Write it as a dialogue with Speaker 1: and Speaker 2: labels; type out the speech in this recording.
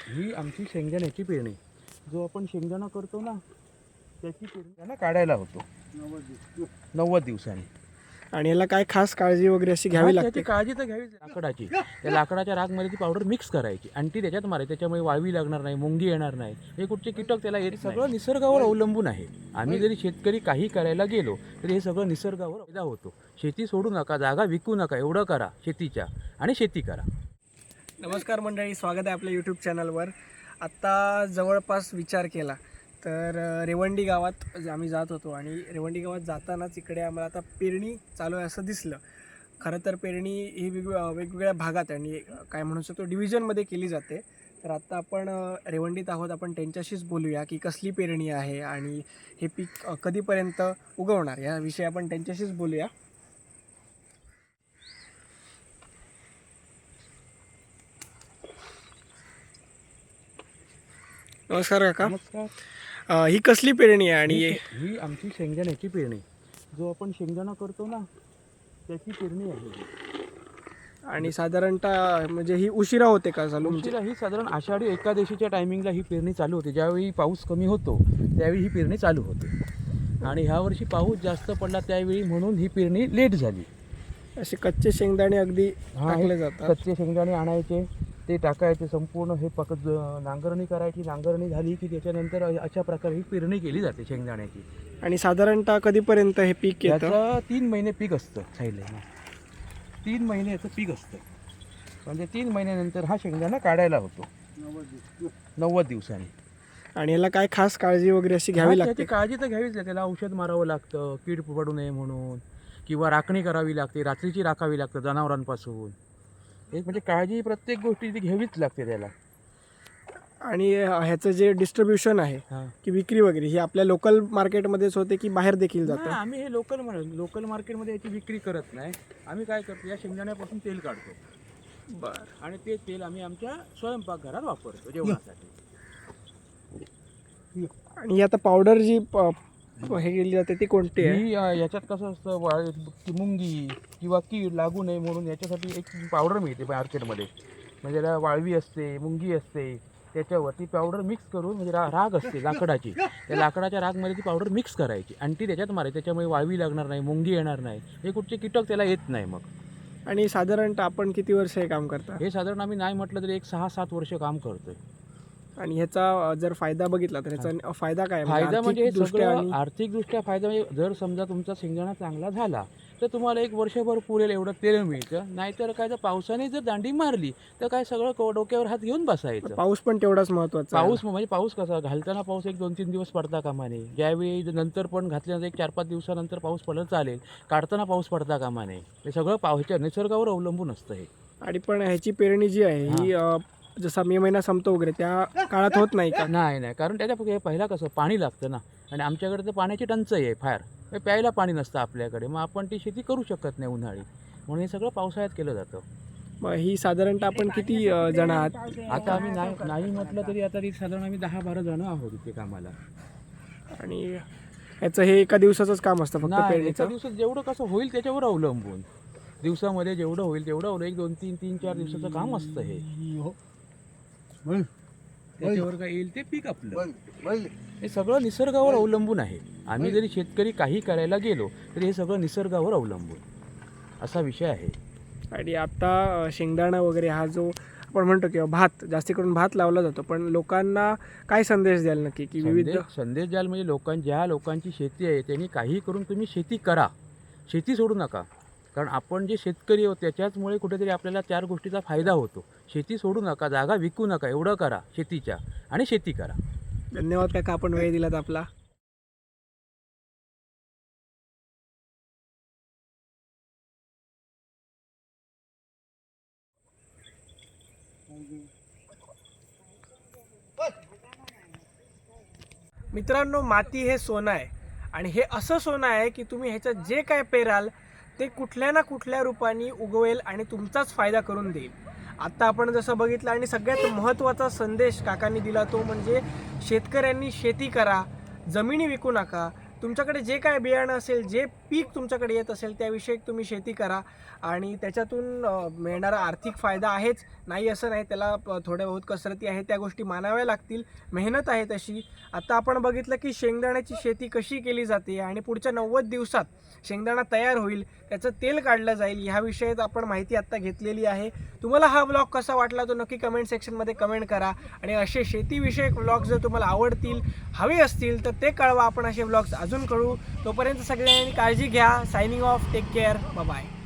Speaker 1: ही आमची शेंगदाण्याची पेरणी जो आपण शेंगदाणा करतो ना त्याची पेरणी त्यांना काढायला होतो 90 दिवसांनी.
Speaker 2: आणि याला काय खास काळजी वगैरे अशी घ्यावी लागते?
Speaker 1: त्याची काळजी तर घ्यावीच लाकडाची. त्या लाकडाच्या रागमध्ये ती पावडर मिक्स करायची आणि ती त्याच्यात मारायची. त्याच्यामुळे वाळवी लागणार नाही, मुंगी येणार नाही, हे कुठचे कीटक त्याला येत. सगळं निसर्गावर अवलंबून आहे. आम्ही जरी शेतकरी काही करायला गेलो तरी हे सगळं निसर्गावर फायदा होतो. शेती सोडू नका, जागा विकू नका, एवढं करा शेतीच्या आणि शेती करा.
Speaker 2: नमस्कार मंडळी, स्वागत आहे आपल्या यूट्यूब चॅनलवर. आत्ता जवळपास विचार केला तर रेवंडी गावात आम्ही जात होतो आणि रेवंडी गावात जातानाच इकडे आम्हाला आता पेरणी चालू आहे असं दिसलं. खरं तर पेरणी ही वेगवेगळ्या भागात आणि काय म्हणू शकतो डिव्हिजनमध्ये केली जाते. तर आत्ता आपण रेवंडीत आहोत. आपण त्यांच्याशीच बोलूया की कसली पेरणी आहे आणि हे पीक कधीपर्यंत उगवणार याविषयी आपण त्यांच्याशीच बोलूया. नमस्कार काका.
Speaker 1: नमस्कार.
Speaker 2: ही कसली पेरणी आहे? आणि
Speaker 1: ही आमची शेंगदाण्याची पेरणी जो आपण शेंगदाणा करतो ना त्याची पेरणी आहे.
Speaker 2: आणि साधारणतः म्हणजे ही उशिरा होते का चालू?
Speaker 1: उशिरा ही साधारण आषाढी एकादशीच्या टायमिंगला ही पेरणी चालू होते. ज्यावेळी पाऊस कमी होतो त्यावेळी ही पेरणी चालू होते आणि ह्या वर्षी पाऊस जास्त पडला त्यावेळी म्हणून ही पेरणी लेट झाली.
Speaker 2: असे कच्चे शेंगदाणे अगदी टाकले जातात.
Speaker 1: कच्चे शेंगदाणे आणायचे, ते टाकायचे, संपूर्ण हे नांगरणी करायची. नांगरणी झाली की त्याच्यानंतर अशा प्रकारे ही पेरणी केली जाते शेंगदाण्याची.
Speaker 2: आणि साधारणतः कधीपर्यंत हे पीक येतं?
Speaker 1: याचं 3 महिने पीक असतं. साईडला 3 महिने याचं पीक असतं. म्हणजे 3 महिन्यानंतर हा शेंगदाणा काढायला होतो 90 दिवसांनी.
Speaker 2: आणि याला काय खास काळजी वगैरे अशी घ्यावी लागते?
Speaker 1: त्याची काळजी तर घ्यावीच लागते. त्याला औषध मारावं लागतं कीड पडू नये म्हणून, किंवा राखणी करावी लागते, रात्रीची राखावी लागतं जनावरांपासून. एक म्हणजे काळजी प्रत्येक गोष्टी ती घ्यावीच लागते त्याला.
Speaker 2: आणि ह्याचं जे डिस्ट्रीब्युशन आहे की विक्री वगैरे ही आपल्या लोकल मार्केटमध्येच होते की बाहेर देखील जातं?
Speaker 1: आम्ही हे लोकल मार्केटमध्ये याची विक्री करत नाही. आम्ही काय करतो, या शेंगदाण्यापासून तेल काढतो.
Speaker 2: बरं.
Speaker 1: आणि ते तेल आम्ही आमच्या स्वयंपाकघरात वापरतो जेवणासाठी.
Speaker 2: आणि आता पावडर जी हे केली जाते ती कोणती आहे?
Speaker 1: ही याच्यात कसं असतं, मुंगी किंवा कीड लागू नये म्हणून याच्यासाठी एक पावडर मिळते मार्केटमध्ये. म्हणजे त्याला वाळवी असते, मुंगी असते, त्याच्यावर ती पावडर मिक्स करून, म्हणजे राग असते लाकडाची, त्या लाकडाच्या रागमध्ये ती पावडर मिक्स करायची आणि ती त्याच्यात मारायची. त्याच्यामुळे वाळवी लागणार नाही, मुंगी येणार नाही, हे कुठचे कीटक त्याला येत नाही मग.
Speaker 2: आणि साधारणतः आपण किती वर्ष हे काम करता?
Speaker 1: हे साधारण आम्ही नाही म्हटलं तरी एक 6-7 वर्ष काम करतोय.
Speaker 2: आणि ह्याचा जर फायदा बघितला तर ह्याचा फायदा काय?
Speaker 1: फायदा म्हणजे हे
Speaker 2: आर्थिकदृष्ट्या
Speaker 1: सगळं आर्थिकदृष्ट्या फायदा म्हणजे जर समजा तुमचा शेंगदाणा चांगला झाला तर तुम्हाला एक वर्षभर पुरेल एवढं तेल मिळतं. नाहीतर काय, तर पावसाने जर दांडी मारली तर काय सगळं डोक्यावर हात घेऊन बसायचं.
Speaker 2: पाऊस पण तेवढाच महत्त्वाचा आहे.
Speaker 1: पाऊस म्हणजे पाऊस कसा घालताना पाऊस एक 2-3 दिवस पडता कामा नये. ज्यावेळी नंतर पण घातल्यानंतर एक 4-5 दिवसानंतर पाऊस पडला चालेल, काढताना पाऊस पडता कामा नये. हे सगळं ह्याच्या निसर्गावर अवलंबून असतं हे.
Speaker 2: आणि पण ह्याची पेरणी जी आहे ही जसा मे महिना संपतो वगैरे त्या काळात होत नाही का?
Speaker 1: नाही, कारण त्याच्या पहिला कसं पाणी लागतं ना, आणि आमच्याकडे तर पाण्याची टंचाई आहे फार. प्यायला पाणी नसतं आपल्याकडे, मग आपण ती शेती करू शकत नाही उन्हाळी, म्हणून हे सगळं पावसाळ्यात केलं जातं.
Speaker 2: मग ही साधारणतः आपण किती जण आहात?
Speaker 1: आता आम्ही नाही म्हटलं तरी आता साधारण आम्ही 10-12 जण आहोत इथे कामाला.
Speaker 2: आणि ह्याचं हे एका दिवसाचंच काम असतं फक्त
Speaker 1: एका
Speaker 2: पेरणीचं?
Speaker 1: दिवसात जेवढं कसं होईल त्याच्यावर अवलंबून, दिवसामध्ये जेवढं होईल तेवढं, 1-2-3-4 दिवसाचं काम असतं हे. त्याच्यावर काय येईल ते पीक आपलं. हे सगळं निसर्गावर अवलंबून आहे. आम्ही जरी शेतकरी काही करायला गेलो तरी हे सगळं निसर्गावर अवलंबून असा विषय आहे.
Speaker 2: आणि आता शेंगदाणा वगैरे हा जो आपण म्हणतो किंवा भात, जास्ती करून भात लावला जातो, पण लोकांना काय संदेश द्याल नक्की की विविध
Speaker 1: संदेश द्याल म्हणजे ज्या लोकांची शेती आहे त्यांनी काही करून तुम्ही शेती करा, शेती सोडू नका. कारण आपण जे शेतकरी आहोत त्याच्याचमुळे कुठेतरी आपल्याला 4 गोष्टीचा फायदा होतो. शेती सोडू नका, जागा विकू नका, एवढं करा शेतीच्या आणि शेती करा.
Speaker 2: धन्यवाद काका, आपण वेळ दिलात आपला. मित्रांनो, माती हे सोनं आहे आणि हे असं सोनं आहे की तुम्ही ह्याच्यात जे काय पेराल ते कुठल्या ना कुठल्या रूपाने उगवेल आणि तुमचाच फायदा करून देईल. आत्ता आपण जसं बघितलं आणि सगळ्यात महत्त्वाचा संदेश काकांनी दिला तो म्हणजे शेतकऱ्यांनी शेती करा, जमिनी विकू नका. तुमच्याकडे जे काय बियाणं असेल, जे पीक तुमच्याकडे येत असेल त्याविषयी तुम्ही शेती करा आणि त्याच्यातून मिळणारा आर्थिक फायदा आहेच, नाही असं नाही, त्याला थोड्या बहुत कसरती आहे, त्या गोष्टी मानाव्या लागतील, मेहनत आहे तशी. आता आपण बघितलं की शेंगदाण्याची शेती कशी केली जाते आणि पुढच्या 90 दिवसात शेंगदाणा तयार होईल, त्याचं तेल काढलं जाईल, ह्या विषयात आपण माहिती आत्ता घेतलेली आहे. तुम्हाला हा व्लॉग कसा वाटला तो नक्की कमेंट सेक्शनमध्ये कमेंट करा आणि असे शेतीविषयक व्लॉग जर तुम्हाला आवडतील, हवे असतील तर ते कळवा, आपण असे व्लॉग्स अजून करू. तोपर्यंत सगळ्यांनी काळजी घ्या. Signing off, take care, bye.